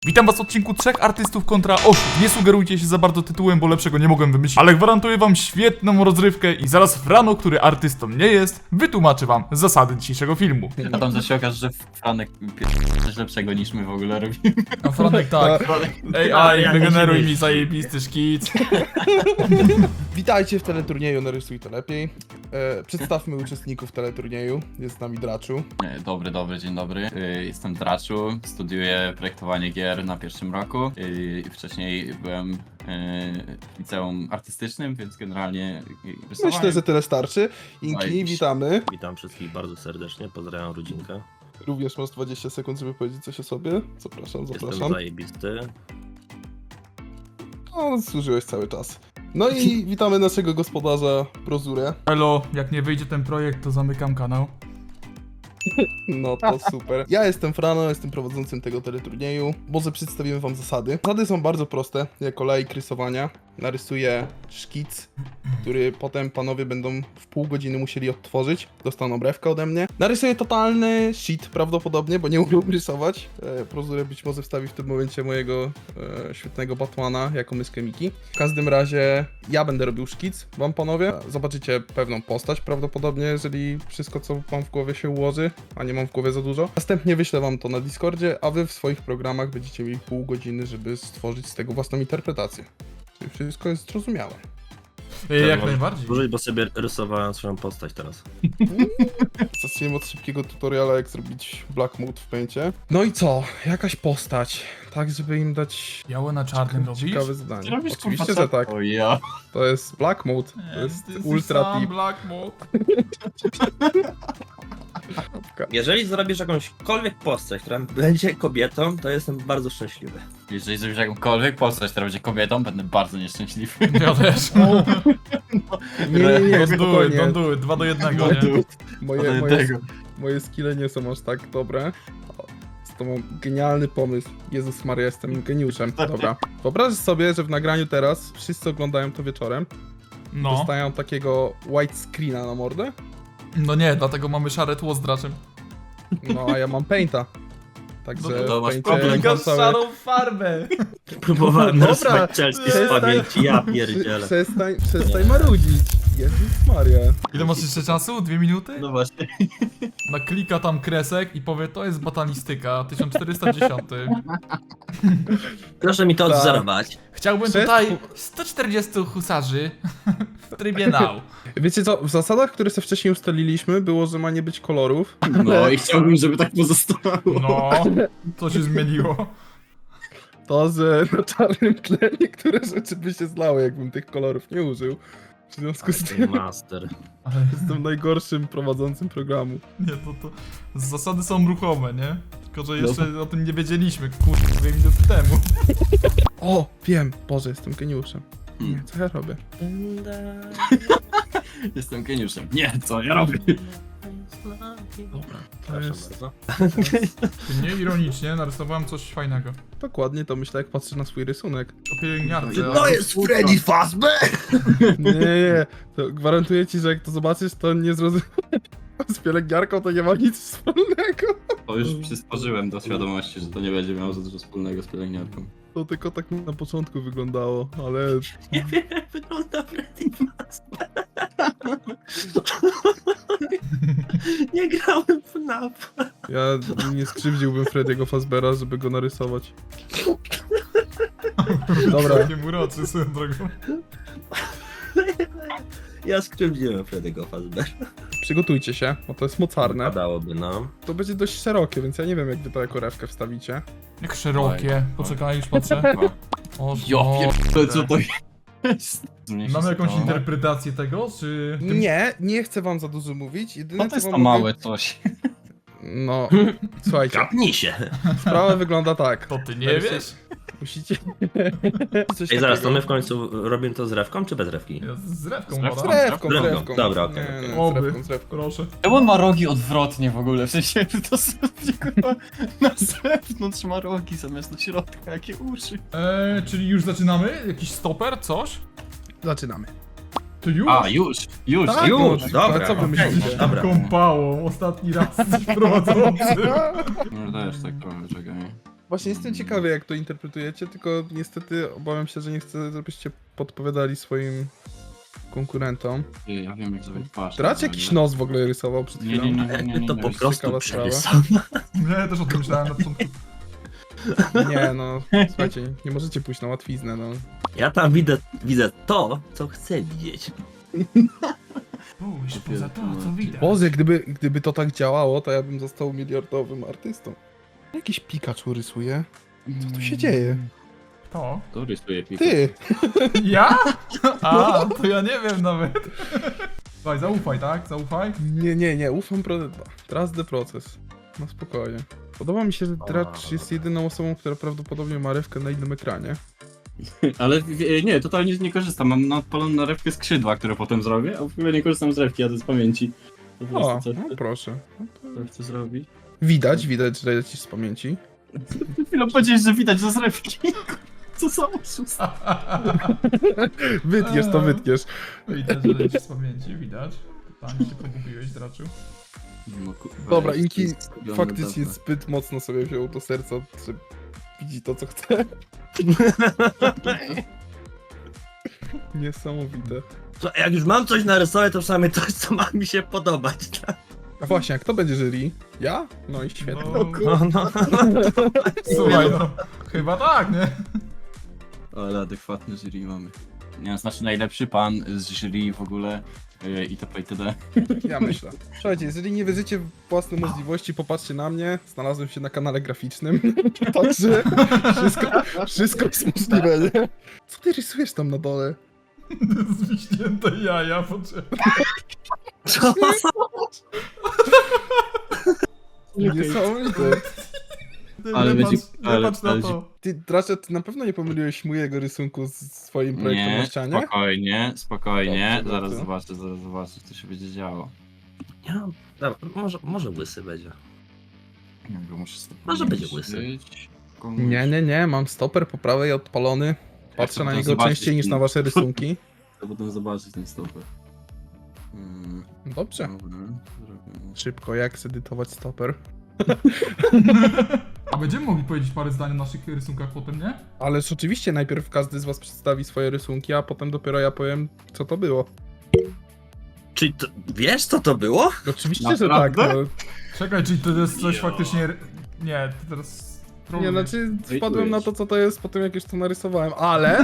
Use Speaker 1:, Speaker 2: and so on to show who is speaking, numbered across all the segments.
Speaker 1: Witam was w odcinku 3 artystów kontra 8. Nie sugerujcie się za bardzo tytułem, bo lepszego nie mogłem wymyślić, ale gwarantuję wam świetną rozrywkę i zaraz Frano, który artystą nie jest, wytłumaczy wam zasady dzisiejszego filmu.
Speaker 2: A tam też się okaże, że Franek coś lepszego niż my w ogóle robimy.
Speaker 1: A Franek tak. AI, wygeneruj mi zajebisty szkic.
Speaker 3: Witajcie w teleturnieju Narysuj to lepiej. Przedstawmy uczestników teleturnieju. Jest z nami Draczu.
Speaker 2: Dobry, dzień dobry. Jestem Draczu, studiuję projektowanie gier na pierwszym roku. Wcześniej byłem w liceum artystycznym, więc generalnie rysowałem.
Speaker 3: Myślę, że tyle starczy. Inki,
Speaker 2: Zajebiście.
Speaker 3: witamy.
Speaker 4: Witam wszystkich bardzo serdecznie, pozdrawiam rodzinkę.
Speaker 3: Również masz 20 sekund, żeby powiedzieć coś o sobie. Zapraszam.
Speaker 4: Jestem zajebisty.
Speaker 3: No, służyłeś cały czas. No i witamy naszego gospodarza Prozurę.
Speaker 1: Elo, jak nie wyjdzie ten projekt, to zamykam kanał.
Speaker 3: No to super. Ja jestem Frano, jestem prowadzącym tego teleturnieju. Może przedstawimy wam zasady. Zasady są bardzo proste. Jako laik rysowania narysuję szkic, który potem panowie będą w pół godziny musieli odtworzyć. Dostaną brewkę ode mnie. Narysuję totalny shit prawdopodobnie, bo nie umiem rysować. Prozurę być może wstawi w tym momencie mojego świetnego Batmana jako myskę Miki. W każdym razie ja będę robił szkic wam panowie. Zobaczycie pewną postać prawdopodobnie, jeżeli wszystko co mam w głowie się ułoży, a nie mam w głowie za dużo. Następnie wyślę wam to na Discordzie, a wy w swoich programach będziecie mieli pół godziny, żeby stworzyć z tego własną interpretację. Czyli wszystko jest zrozumiałe.
Speaker 1: Jak najbardziej.
Speaker 4: Dłużej, bo sobie rysowałem swoją postać teraz.
Speaker 3: Zaczniemy od szybkiego tutoriala, jak zrobić Black Mode w Paincie. No i co? Jakaś postać, tak żeby im dać
Speaker 1: Białe na czarnym robisz?
Speaker 3: ciekawe zadanie.
Speaker 2: Robisz,
Speaker 3: Oczywiście,
Speaker 2: kurwa,
Speaker 3: że tak.
Speaker 2: O ja.
Speaker 3: To jest Black Mode, to jest
Speaker 1: Ty jesteś
Speaker 3: ultra
Speaker 1: sam
Speaker 3: tip.
Speaker 1: Black Mode.
Speaker 4: Jeżeli zrobisz jakąśkolwiek postać, która będzie kobietą, to jestem bardzo szczęśliwy.
Speaker 2: Jeżeli zrobisz jakąkolwiek postać, która będzie kobietą, będę bardzo nieszczęśliwy.
Speaker 1: Ja też.
Speaker 3: Nie,
Speaker 1: Don't do it,
Speaker 3: spokojnie.
Speaker 1: don't do it. 2 do 1, nie?
Speaker 3: Moje skille nie są aż tak dobre. To mam genialny pomysł. Jezus Maria, jestem geniuszem. Dobra. Wyobraź sobie, że w nagraniu teraz wszyscy oglądają to wieczorem.
Speaker 1: No.
Speaker 3: Dostają takiego white screena na mordę.
Speaker 1: No nie, dlatego mamy szare tło z draczem.
Speaker 3: No a ja mam painta. Także
Speaker 2: No to
Speaker 3: w
Speaker 2: masz
Speaker 3: Paincie
Speaker 2: problem.
Speaker 3: mam całe...
Speaker 1: farbę.
Speaker 4: Próbowałem
Speaker 3: Dobra,
Speaker 4: narysować Chelsea z pamięci, ja pierdzielę.
Speaker 3: Przestań marudzić. Jezus Maria.
Speaker 1: Ile masz jeszcze czasu? 2 minuty?
Speaker 2: No właśnie.
Speaker 1: Naklika tam kresek i powie, to jest batalistyka, 1410.
Speaker 4: Proszę mi to
Speaker 3: Tak.
Speaker 4: odzorować.
Speaker 1: Chciałbym
Speaker 3: Przed-
Speaker 1: tutaj 140 husarzy w trybie now.
Speaker 3: Wiecie co, w zasadach, które sobie wcześniej ustaliliśmy, było, że ma nie być kolorów.
Speaker 2: No i chciałbym, żeby tak pozostało.
Speaker 1: No, co się zmieniło?
Speaker 3: To, że na czarnym tle niektóre rzeczy by się zlały, jakbym tych kolorów nie użył. W związku z tym
Speaker 4: Master.
Speaker 1: Ale
Speaker 3: jestem najgorszym prowadzącym programu.
Speaker 1: nie, to zasady są ruchome, nie? Tylko, że jeszcze o tym nie wiedzieliśmy, kurde, 2 minuty temu.
Speaker 3: O, wiem, Boże, jestem geniuszem. Nie, co ja robię?
Speaker 2: Jestem geniuszem. Nie, co ja robię?
Speaker 3: Dobra, to
Speaker 4: Przepraszam
Speaker 3: jest...
Speaker 4: bardzo.
Speaker 1: Nie ironicznie, narysowałem coś fajnego.
Speaker 3: Dokładnie to myślę, jak patrzę na swój rysunek.
Speaker 1: O pielęgniarce.
Speaker 4: To jest Freddy Fazbear!
Speaker 3: Nie, to gwarantuję ci, że jak to zobaczysz, to nie zrozumiesz. Z pielęgniarką to nie ma nic wspólnego.
Speaker 2: To już przysporzyłem do świadomości, że to nie będzie miało za dużo wspólnego z pielęgniarką.
Speaker 3: To tylko tak na początku wyglądało, ale...
Speaker 4: Nie wiem jak wygląda Freddy Fazbear. Nie grałem w NAP.
Speaker 3: Ja nie skrzywdziłbym Freddy'ego Fazbeara, żeby go narysować. Dobra.
Speaker 1: Całkiem uroczy swoją drogą.
Speaker 4: Ja skrzywdziłem Freddy'ego Fazbear.
Speaker 3: Przygotujcie się, bo to jest mocarne.
Speaker 4: Padałoby nam.
Speaker 3: To będzie dość szerokie, więc ja nie wiem, jak wy to jako rewkę wstawicie.
Speaker 1: Jak szerokie. Poczekaj, już patrzę. O,
Speaker 2: Ja pierdolę, co to jest?
Speaker 1: Mamy jakąś interpretację tego, czy...
Speaker 3: Nie chcę wam za dużo mówić. Jedyne
Speaker 2: No to jest
Speaker 3: co
Speaker 2: to
Speaker 3: wam
Speaker 2: małe
Speaker 3: mówię...
Speaker 2: coś.
Speaker 3: No, słuchajcie,
Speaker 4: Kapnij się.
Speaker 3: sprawa wygląda tak.
Speaker 1: To ty nie wiesz?
Speaker 3: Musicie... Coś
Speaker 4: Ej, zaraz, to
Speaker 3: takiego.
Speaker 4: my w końcu robimy to z rewką czy bez rewki?
Speaker 1: Ja z rewką
Speaker 2: Z
Speaker 1: podam.
Speaker 3: Z rewką, z
Speaker 4: Drewno.
Speaker 3: rewką.
Speaker 4: Dobra, okej,
Speaker 3: Nie,
Speaker 4: okej.
Speaker 3: nie,
Speaker 1: Oby.
Speaker 3: z rewką.
Speaker 1: Proszę.
Speaker 2: Czemu on ma rogi odwrotnie w ogóle? W sensie to sobie kurwa na zewnątrz ma rogi zamiast na środka, jakie uszy.
Speaker 1: Czyli już zaczynamy? Jakiś stoper? Coś?
Speaker 3: Zaczynamy.
Speaker 1: To już?
Speaker 2: A, już.
Speaker 3: Tak,
Speaker 4: Już,
Speaker 3: no,
Speaker 4: dobra,
Speaker 3: co wy
Speaker 4: okej,
Speaker 3: myślicie?
Speaker 4: dobra.
Speaker 1: Kąpałą, ostatni raz jesteś prowadzący.
Speaker 2: No też tak trochę, czekaj.
Speaker 3: Właśnie jestem ciekawy, jak to interpretujecie, tylko niestety obawiam się, że nie chcę, żebyście podpowiadali swoim konkurentom.
Speaker 2: Ja wiem jak zrobić twarz.
Speaker 3: Dracz jakiś nos w ogóle rysował przed
Speaker 2: Nie,
Speaker 3: chwilą.
Speaker 4: To po
Speaker 3: jest
Speaker 4: prostu
Speaker 3: ciekawa sprawa.
Speaker 4: przerysowane.
Speaker 1: Nie, też o tym myślałem na początku.
Speaker 3: Nie no, słuchajcie, nie możecie pójść na łatwiznę, no.
Speaker 4: Ja tam widzę to, co chcę widzieć.
Speaker 1: Pójść poza to, co widać.
Speaker 3: Boże, gdyby to tak działało, to ja bym został miliardowym artystą. Jakiś Pikachu rysuje? Co tu się dzieje?
Speaker 1: To?
Speaker 2: To rysuje Pikachu.
Speaker 3: Ty!
Speaker 1: Ja? A, to ja nie wiem nawet. Słuchaj, zaufaj, tak? Zaufaj.
Speaker 3: Nie, ufam trust the process. No spokojnie. Podoba mi się, że Dracz jest jedyną osobą, która prawdopodobnie ma rewkę na innym ekranie.
Speaker 2: Ale nie, totalnie nie korzystam. Mam odpaloną na rewkę skrzydła, które potem zrobię, a w ogóle nie korzystam z rewki, a to z pamięci. Po
Speaker 3: O,
Speaker 2: prostu
Speaker 3: no proszę.
Speaker 2: co chcę zrobić?
Speaker 3: Widać, że lecisz z pamięci.
Speaker 2: Chwilę powiedziałeś, że widać że z rewki. Co za oszust.
Speaker 3: Wytniesz to, wytniesz.
Speaker 1: Widać, że lecisz z pamięci, widać. Totalnie się pogubiłeś, Draczu.
Speaker 2: No, kurwa,
Speaker 3: Dobra,
Speaker 2: jest
Speaker 3: Inki
Speaker 2: zgubiony
Speaker 3: faktycznie
Speaker 2: dawno.
Speaker 3: zbyt mocno sobie wziął do serca, że widzi to, co chce. Niesamowite.
Speaker 4: To jak już mam coś narysować, to przynajmniej coś, co ma mi się podobać. Tak?
Speaker 3: A właśnie, a kto będzie jury? Ja? No i świetnie.
Speaker 1: No, Słuchaj, no. Chyba tak, nie?
Speaker 2: Ale adekwatny jury mamy. Nie, znaczy najlepszy pan z jury w ogóle itp. itd.
Speaker 3: Ja myślę. Słuchajcie, jeżeli nie wierzycie w własne możliwości, popatrzcie na mnie. Znalazłem się na kanale graficznym. Także wszystko jest możliwe, nie? Co ty rysujesz tam na dole?
Speaker 1: Zwiśnięte jaja, poczekaj.
Speaker 4: Co?
Speaker 3: Niesamowite.
Speaker 2: Ale
Speaker 1: nie
Speaker 2: będzie-
Speaker 1: patrz, nie
Speaker 2: ale-
Speaker 1: patrz na
Speaker 2: ale-
Speaker 1: to.
Speaker 3: Ty, Dracze, ty na pewno nie pomyliłeś mojego rysunku z swoim projektem na
Speaker 2: Nie,
Speaker 3: ścianie?
Speaker 2: spokojnie.
Speaker 3: Dobrze,
Speaker 2: Zaraz
Speaker 3: dobrze.
Speaker 2: zobaczę, co się będzie działo.
Speaker 4: Ja, dobra, może łysy będzie.
Speaker 2: Nie wiem, muszę sobie
Speaker 4: Może będzie
Speaker 2: pomyśleć.
Speaker 3: Nie, mam stoper po prawej odpalony. Patrzę
Speaker 2: chcę
Speaker 3: na
Speaker 2: potem
Speaker 3: niego
Speaker 2: zobaczyć
Speaker 3: częściej niż
Speaker 2: ten-
Speaker 3: na wasze rysunki.
Speaker 2: Chcę potem zobaczyć ten stoper.
Speaker 3: Dobrze.
Speaker 2: Dobra, zrobimy.
Speaker 3: Szybko, jak zedytować stoper.
Speaker 1: A będziemy mogli powiedzieć parę zdań o naszych rysunkach potem, nie?
Speaker 3: Ależ oczywiście najpierw każdy z was przedstawi swoje rysunki, a potem dopiero ja powiem, co to było.
Speaker 4: Czyli to, wiesz, co to było?
Speaker 3: Oczywiście, że tak.
Speaker 2: Naprawdę?
Speaker 3: No.
Speaker 1: Czekaj, czy to jest coś faktycznie... Nie, to teraz...
Speaker 3: Nie, znaczy
Speaker 2: Hejtujesz.
Speaker 3: wpadłem na to, co to jest po tym, jak już to narysowałem, ale...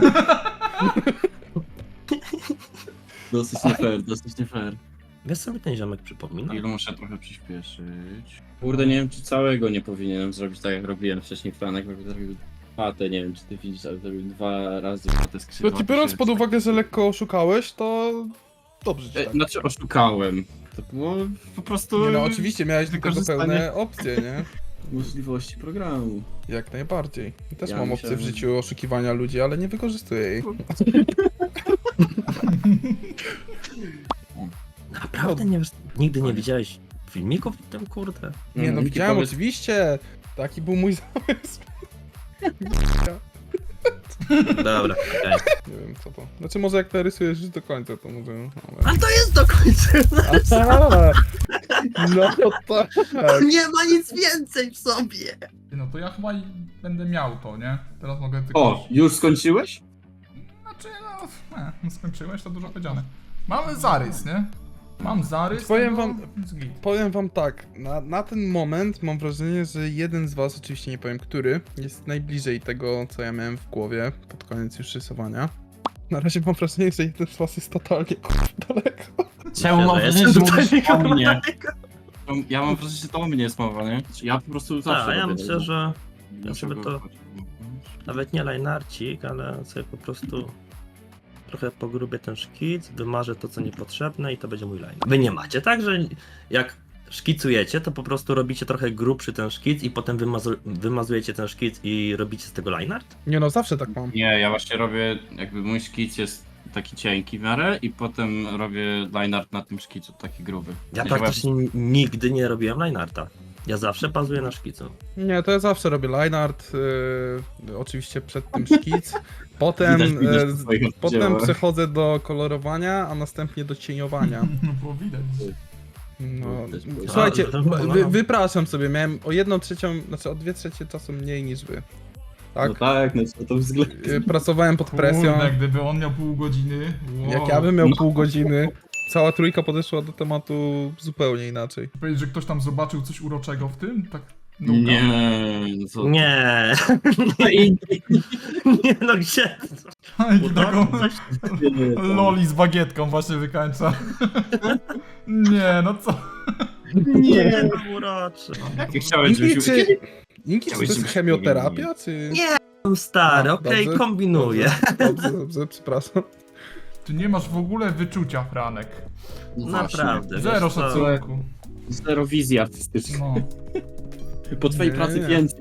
Speaker 2: Dosyć nie fair, dosyć nie fair.
Speaker 4: Wiesz, co mi ten ziomek przypomina?
Speaker 2: Ilu muszę trochę przyspieszyć. Kurde, nie wiem, czy całego nie powinienem zrobić tak, jak robiłem wcześniej Franek, bo zrobił patę, nie wiem, czy ty widzisz, ale zrobił 2 razy patę skrzydła.
Speaker 3: No ci biorąc pod uwagę, że lekko oszukałeś, to... Dobrze ci tak.
Speaker 2: Znaczy oszukałem. To było po prostu
Speaker 3: Nie no, oczywiście miałeś do tego
Speaker 2: wykorzystanie-
Speaker 3: pełne opcje, nie?
Speaker 2: możliwości programu.
Speaker 3: Jak najbardziej. Też
Speaker 2: Ja
Speaker 3: mam opcję w
Speaker 2: myślałem-
Speaker 3: życiu oszukiwania ludzi, ale nie wykorzystuję jej.
Speaker 4: Naprawdę nie wiesz, nigdy nie widziałeś filmików w tym, kurde?
Speaker 3: Nie no,
Speaker 2: Miki,
Speaker 3: widziałem
Speaker 2: powiedz-
Speaker 3: oczywiście. Taki był mój zamysł.
Speaker 4: Dobra, okej.
Speaker 3: Nie wiem co to. Znaczy może jak narysujesz już do końca, to może... Ale...
Speaker 4: Ale to jest do końca!
Speaker 3: Aha! No tak.
Speaker 4: Nie ma nic więcej w sobie!
Speaker 1: No to ja chyba będę miał to, nie? Teraz mogę tylko...
Speaker 2: O, już skończyłeś?
Speaker 1: Znaczy, no skończyłeś, to dużo powiedziane. Mamy zarys, nie? Mam zarys.
Speaker 3: Powiem
Speaker 1: tego,
Speaker 3: wam-
Speaker 1: więc git.
Speaker 3: Powiem wam tak, na ten moment mam wrażenie, że jeden z was, oczywiście nie powiem który, jest najbliżej tego, co ja miałem w głowie pod koniec już rysowania. Na razie mam wrażenie, że jeden z was jest totalnie daleko.
Speaker 2: Czemu mam
Speaker 4: Myślę, że
Speaker 2: wrażenie, że
Speaker 4: jestem
Speaker 2: mówisz
Speaker 4: tutaj
Speaker 2: o mnie?
Speaker 4: daleko.
Speaker 2: Ja mam wrażenie, że to o mnie jest mowa, nie? Ja po prostu zawsze
Speaker 4: Tak, ja
Speaker 2: robię
Speaker 4: myślę,
Speaker 2: tego.
Speaker 4: że
Speaker 2: Dlaczego?
Speaker 4: sobie to- nawet nie lajnarcik, ale sobie po prostu trochę pogrubię ten szkic, wymarzę to, co niepotrzebne i to będzie mój line. Wy nie macie tak, że jak szkicujecie, to po prostu robicie trochę grubszy ten szkic i potem wymazujecie ten szkic i robicie z tego line art?
Speaker 3: Nie no, zawsze tak mam.
Speaker 2: Nie, ja właśnie robię, jakby mój szkic jest taki cienki w miarę i potem robię line art na tym szkicu, taki gruby.
Speaker 4: Ja
Speaker 2: W sensie
Speaker 4: praktycznie nigdy nie robiłem line arta. Ja zawsze bazuję na szkicu.
Speaker 3: Nie, to ja zawsze robię line art, oczywiście przed tym szkic, potem,
Speaker 2: Widać po swoich
Speaker 3: potem
Speaker 2: oddziałach.
Speaker 3: przechodzę do kolorowania, a następnie do cieniowania.
Speaker 1: No było widać.
Speaker 3: No,
Speaker 2: Też
Speaker 3: słuchajcie,
Speaker 4: No.
Speaker 3: wypraszam sobie, miałem o 1/3, znaczy o 2/3 czasu mniej niż wy. Tak?
Speaker 5: No tak, no co to względ.
Speaker 3: Pracowałem pod presją.
Speaker 1: Kurde, gdyby on miał pół godziny. Wow.
Speaker 3: Jak ja bym miał pół godziny, cała trójka podeszła do tematu zupełnie inaczej.
Speaker 1: Powiedzieć, że ktoś tam zobaczył coś uroczego w tym? Tak. No,
Speaker 2: Nie, no co?
Speaker 4: Nie.
Speaker 5: No i
Speaker 4: Nie, no gdzie?
Speaker 1: I taką
Speaker 4: Coś...
Speaker 1: loli z bagietką właśnie wykańcza. Nie, no co?
Speaker 4: Nie, no uroczy.
Speaker 2: Jakie chciałeś,
Speaker 3: Inki,
Speaker 2: żebyśmy...
Speaker 3: Inki, czy to
Speaker 2: Chciałeś,
Speaker 3: jest
Speaker 2: żebyśmy
Speaker 3: chemioterapia, czy...
Speaker 4: Nie, stary,
Speaker 3: A,
Speaker 4: okej,
Speaker 3: dobrze,
Speaker 4: kombinuję.
Speaker 3: Dobrze, przepraszam.
Speaker 1: Ty nie masz w ogóle wyczucia, Franek.
Speaker 2: No
Speaker 4: Naprawdę.
Speaker 1: Zero
Speaker 4: wiesz co?
Speaker 1: szacunku.
Speaker 5: zero wizji artystycznej.
Speaker 1: No.
Speaker 5: Po twojej
Speaker 3: Nie,
Speaker 5: pracy
Speaker 3: nie.
Speaker 5: więcej.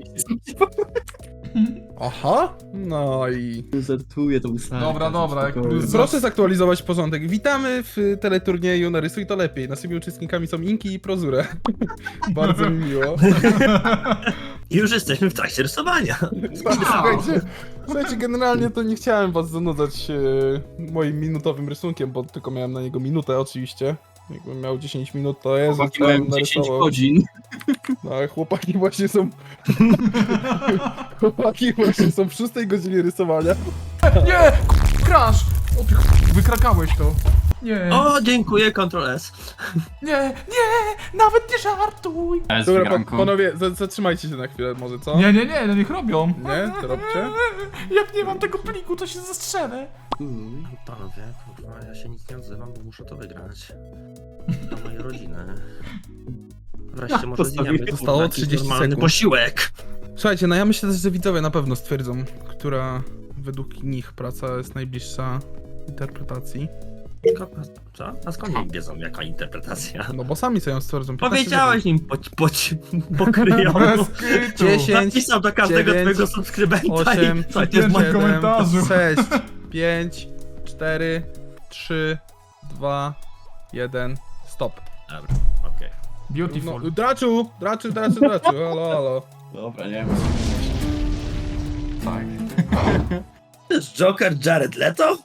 Speaker 3: Aha, no i...
Speaker 5: Żartuję, to był
Speaker 1: Dobra, jak plus-
Speaker 3: Proszę zaktualizować porządek. Witamy w teleturnieju Narysuj to lepiej. Naszymi uczestnikami są Inki i Prozure. Bardzo mi miło.
Speaker 4: Już jesteśmy w trakcie rysowania.
Speaker 3: Słuchajcie, generalnie to nie chciałem was zanudzać moim minutowym rysunkiem, bo tylko miałem na niego minutę oczywiście. Jakbym miał 10 minut, to jest,
Speaker 2: Chłopaki mają 10 godzin.
Speaker 3: No, ale chłopaki właśnie są... chłopaki właśnie są w 6 godzinie rysowania.
Speaker 1: Nie! Crash! O ty wykrakałeś to. Nie,
Speaker 4: O, dziękuję, Ctrl S.
Speaker 1: nie, nawet nie żartuj!
Speaker 3: Dobra,
Speaker 2: Granko.
Speaker 3: panowie, zatrzymajcie się na chwilę może, co?
Speaker 1: Nie, no niech robią.
Speaker 3: Nie? To robcie?
Speaker 1: Jak nie mam tego pliku, to się zastrzelę.
Speaker 4: Panowie, kurwa, ja się nic nie odzywam, bo muszę to wygrać. Dla mojej rodziny. Wreszcie może
Speaker 5: Postawiłem.
Speaker 4: zjemy
Speaker 3: Zostało
Speaker 4: jakiś
Speaker 3: 30
Speaker 4: normalny
Speaker 3: sekund.
Speaker 4: posiłek.
Speaker 3: Słuchajcie, no ja myślę też, że widzowie na pewno stwierdzą, która według nich praca jest najbliższa interpretacji.
Speaker 4: Co? A skąd oni wiedzą, jaka interpretacja?
Speaker 3: No bo sami sobie ją stwierdzą. 15
Speaker 4: Powiedziałeś im pokryją.
Speaker 1: Bez kitu.
Speaker 3: 10,
Speaker 4: Napisał do każdego
Speaker 3: 9,
Speaker 4: twojego subskrybenta
Speaker 3: 8,
Speaker 4: i co, to jest
Speaker 1: 7,
Speaker 4: moje...
Speaker 1: komentarzu.
Speaker 3: 6, 5, 4, 3, 2, 1, stop.
Speaker 4: Dobra, okej.
Speaker 1: Beautiful.
Speaker 3: No, Draczu, halo.
Speaker 2: Dobra, nie wiem. Tak.
Speaker 4: To jest Joker Jared Leto?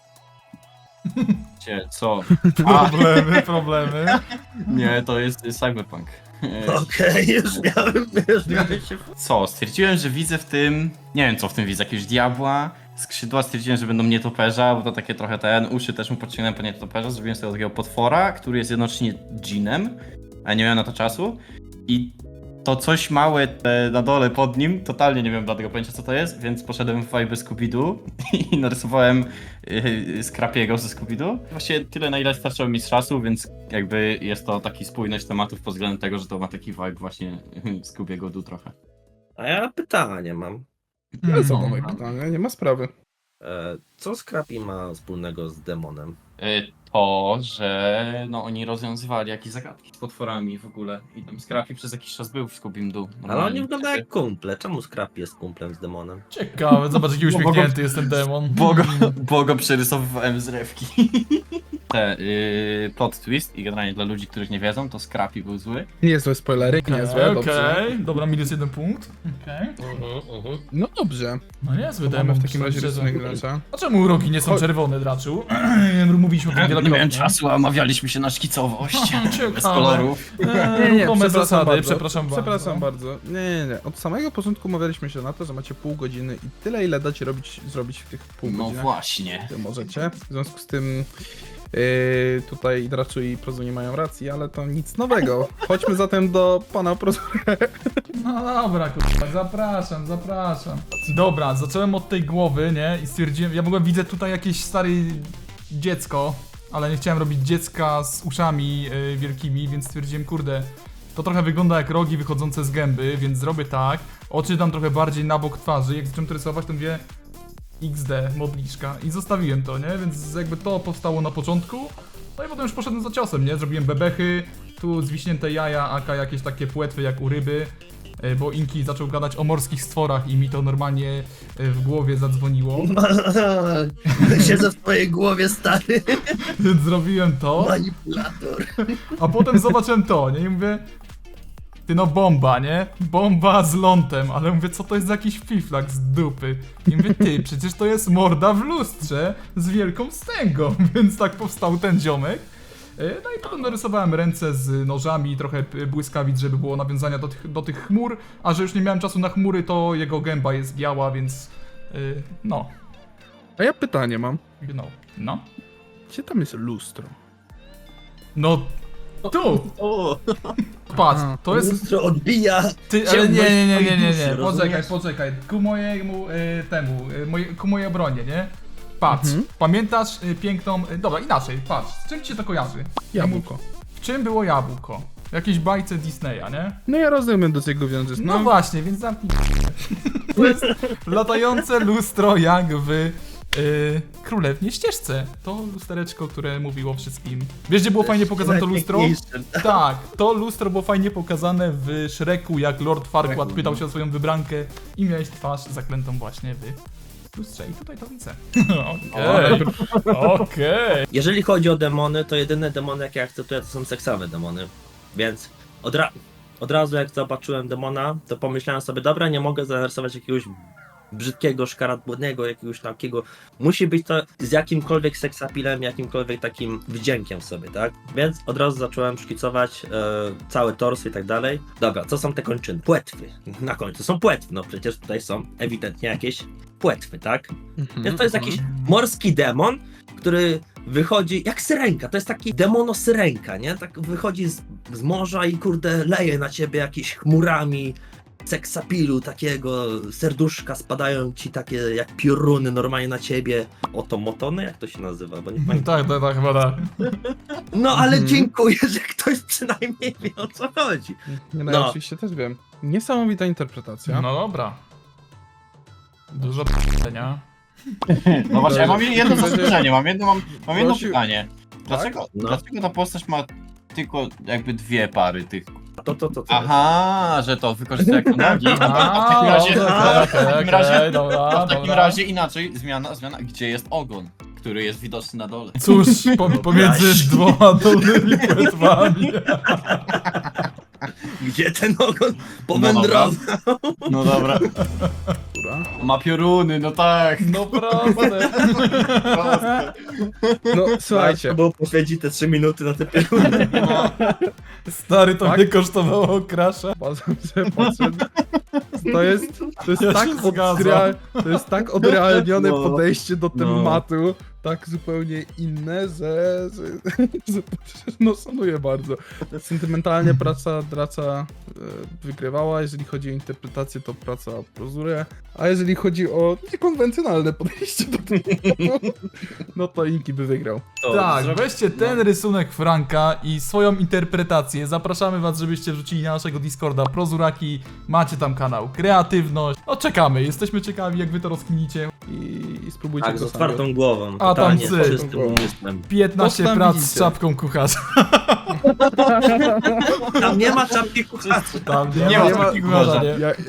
Speaker 2: Co?
Speaker 1: Problemy.
Speaker 2: Nie, to jest Cyberpunk.
Speaker 4: Okej, już miałem się...
Speaker 2: Co? Stwierdziłem, że widzę w tym... Nie wiem co w tym widzę, jakiegoś diabła. Skrzydła stwierdziłem, że będą nietoperza, bo to takie trochę uszy też mu podciągnąłem po nietoperza. Zrobiłem sobie takiego potwora, który jest jednocześnie dżinem, a nie miałem na to czasu. I to coś małe na dole pod nim, totalnie nie wiem dlatego pojęcia co to jest, więc poszedłem w vibe Scooby-Doo i narysowałem Scrapiego ze Scooby-Doo. Właściwie tyle na ile starczyło mi z czasu, więc jakby jest to taki spójność tematów pod względem tego, że to ma taki vibe właśnie Scoobiego Doo trochę.
Speaker 4: A ja pytanie mam.
Speaker 3: Ale co
Speaker 1: No.
Speaker 3: moje pytanie, nie ma sprawy.
Speaker 4: Co Scrappy ma wspólnego z demonem?
Speaker 2: To, że no oni rozwiązywali jakieś zagadki z potworami w ogóle i tam Scrappy przez jakiś czas był w Scooby-Doo.
Speaker 4: Ale oni wyglądają jak kumple. Czemu Scrappy jest kumplem z demonem?
Speaker 1: Ciekawe, zobacz jaki uśmiechnięty jest ten demon.
Speaker 2: Bo go przerysowywałem z rewki. Plot twist i generalnie dla ludzi, których nie wiedzą, to Scrappy był zły.
Speaker 3: Niezłe spoilery, niezłe, dobrze.
Speaker 1: Okej, dobra, minus 1 punkt. Okej.
Speaker 3: No dobrze,
Speaker 1: No niezły
Speaker 3: to mamy
Speaker 1: demon.
Speaker 3: w takim razie
Speaker 1: szczerze.
Speaker 3: rysunek gracza.
Speaker 1: A czemu rogi nie są czerwone, Draczu? Mówiliśmy o tym
Speaker 2: Nie
Speaker 1: wielokrotnie.
Speaker 2: miałem czasu, a omawialiśmy się na szkicowość.
Speaker 1: Ciekawe.
Speaker 2: Bez kolorów.
Speaker 1: Ruchome zasady, przepraszam
Speaker 3: bardzo. Nie. Od samego początku umawialiśmy się na to, że macie pół godziny i tyle ile dacie zrobić w tych pół
Speaker 2: No
Speaker 3: godzinach.
Speaker 2: właśnie.
Speaker 3: Możecie. W związku z tym tutaj Draczu i Prozu nie mają racji, ale to nic nowego. Chodźmy zatem do pana Prozura.
Speaker 1: No dobra, kurwa, zapraszam. Dobra, zacząłem od tej głowy, nie? I stwierdziłem, ja w ogóle widzę tutaj jakieś stare dziecko, ale nie chciałem robić dziecka z uszami wielkimi, więc stwierdziłem, kurde, to trochę wygląda jak rogi wychodzące z gęby, więc zrobię tak. Oczy dam trochę bardziej na bok twarzy, jak zacząłem to rysować, to mówię XD, modliszka i zostawiłem to, nie? Więc jakby to powstało na początku. No i potem już poszedłem za ciosem, nie? Zrobiłem bebechy, tu zwiśnięte jaja, aka jakieś takie płetwy jak u ryby, bo Inki zaczął gadać o morskich stworach i mi to normalnie w głowie zadzwoniło.
Speaker 4: Siedzę w twojej głowie, stary.
Speaker 1: Więc zrobiłem to,
Speaker 4: Manipulator.
Speaker 1: a potem zobaczyłem to, nie? I mówię, ty no bomba, nie? Bomba z lądem, ale mówię, co to jest za jakiś fiflak z dupy? I mówię, ty, przecież to jest morda w lustrze z wielką wstęgą, więc tak powstał ten ziomek. No i potem narysowałem ręce z nożami, trochę błyskawic, żeby było nawiązania do tych chmur, a że już nie miałem czasu na chmury, to jego gęba jest biała, więc no,
Speaker 3: A ja pytanie mam.
Speaker 1: no.
Speaker 3: Gdzie tam jest lustro?
Speaker 1: No, tu!
Speaker 5: O,
Speaker 1: Patrz,
Speaker 3: Aha.
Speaker 1: to jest...
Speaker 4: Lustro odbija.
Speaker 1: Ty, ale
Speaker 4: ciemność twojej
Speaker 1: nie,
Speaker 4: duszy, rozumiesz?
Speaker 1: poczekaj, ku mojemu ku mojej obronie, nie? Patrz, pamiętasz piękną, dobra, inaczej, patrz, z czym ci się to kojarzy?
Speaker 3: Jabłko.
Speaker 1: W czym było jabłko? W jakiejś bajce Disneya, nie?
Speaker 3: No ja rozumiem, do czego wiążesz,
Speaker 1: No właśnie, więc zamknij. To jest latające lustro jak w Królewnie Ścieżce. To lustereczko, które mówiło wszystkim. Wiesz, gdzie było fajnie pokazane to lustro?
Speaker 4: Najpiękniejsze.
Speaker 1: Tak, to lustro było fajnie pokazane w Shreku, jak Lord Farquaad
Speaker 5: Shreku,
Speaker 1: pytał
Speaker 5: no.
Speaker 1: się o swoją wybrankę i miałeś twarz zaklętą właśnie w lustrze. I tutaj to widzę. Okej.
Speaker 4: Jeżeli chodzi o demony, to jedyne demony, jakie akceptuję, to są seksowe demony. Więc od razu jak zobaczyłem demona, to pomyślałem sobie, dobra, nie mogę zarysować jakiegoś brzydkiego, szkaradłodnego, jakiegoś takiego. Musi być to z jakimkolwiek seksapilem, jakimkolwiek takim wdziękiem w sobie, tak? Więc od razu zacząłem szkicować cały tors i tak dalej. Dobra, co są te kończyny? Płetwy. Na końcu są płetwy, no przecież tutaj są ewidentnie jakieś płetwy, tak? Więc to jest jakiś morski demon, który wychodzi jak syrenka, to jest taki demono-syrenka, nie? Tak wychodzi z morza i kurde leje na ciebie jakimiś chmurami, seksapilu takiego, serduszka spadają ci takie jak pioruny normalnie na ciebie. Otomotony? Jak to się nazywa? Bo nie pamiętam.
Speaker 1: Tak, chyba tak.
Speaker 4: No ale dziękuję, że ktoś przynajmniej wie o co chodzi.
Speaker 3: Nie, no,
Speaker 4: No.
Speaker 3: ja oczywiście też wiem. Niesamowita interpretacja.
Speaker 1: No dobra. Dużo p***enia.
Speaker 2: No właśnie, ja mam jedno
Speaker 3: Będzie-
Speaker 2: zastrzeżenie, mam jedno
Speaker 3: Prosił-
Speaker 2: pytanie. Dlaczego
Speaker 4: No.
Speaker 2: ta postać ma tylko jakby dwie pary tych?
Speaker 4: To.
Speaker 2: Aha, że to wykorzystuje jako nogi. A w takim razie inaczej, zmiana, gdzie jest ogon, który jest widoczny na dole.
Speaker 1: Cóż, pomiędzy dwoma dolnymi płetwami.
Speaker 4: Gdzie ten ogon powędrował?
Speaker 2: No dobra.
Speaker 3: Która?
Speaker 2: Ma pioruny, no tak.
Speaker 1: No proste.
Speaker 3: No słuchajcie,
Speaker 4: Bo poświęci te 3 minuty na te pioruny.
Speaker 1: Stary, to
Speaker 3: Tak?
Speaker 1: mnie kosztowało krasza.
Speaker 3: patrzę. To jest
Speaker 1: Ja
Speaker 3: tak
Speaker 1: się zgadzam.
Speaker 3: to jest tak odrealnione
Speaker 5: No.
Speaker 3: podejście do
Speaker 5: No.
Speaker 3: tematu, tak zupełnie inne, że no szanuję bardzo. Sentymentalnie praca Draca wygrywała, jeżeli chodzi o interpretację, to praca Prozure, a jeżeli chodzi o niekonwencjonalne podejście do tematu, no to Inki by wygrał.
Speaker 1: Tak, weźcie ten rysunek Franka i swoją interpretację. Zapraszamy was, żebyście wrzucili na naszego Discorda Prozuraki. Macie tam kanał Kreatywność. No czekamy, jesteśmy ciekawi jak wy to rozkminicie.
Speaker 3: I spróbujcie
Speaker 4: Tak, z
Speaker 3: to sami.
Speaker 4: otwartą głową.
Speaker 1: A tam
Speaker 4: totalnie,
Speaker 1: cyk.
Speaker 4: z czystym umysłem.
Speaker 1: 15
Speaker 3: tam
Speaker 1: prac z
Speaker 3: widzicie.
Speaker 1: czapką kucharza.
Speaker 4: Tam nie ma czapki kucharza.
Speaker 1: Tam
Speaker 2: Nie ma
Speaker 1: nie
Speaker 2: czapki
Speaker 1: kucharza,
Speaker 2: kucharza.
Speaker 1: nie.
Speaker 3: Ja,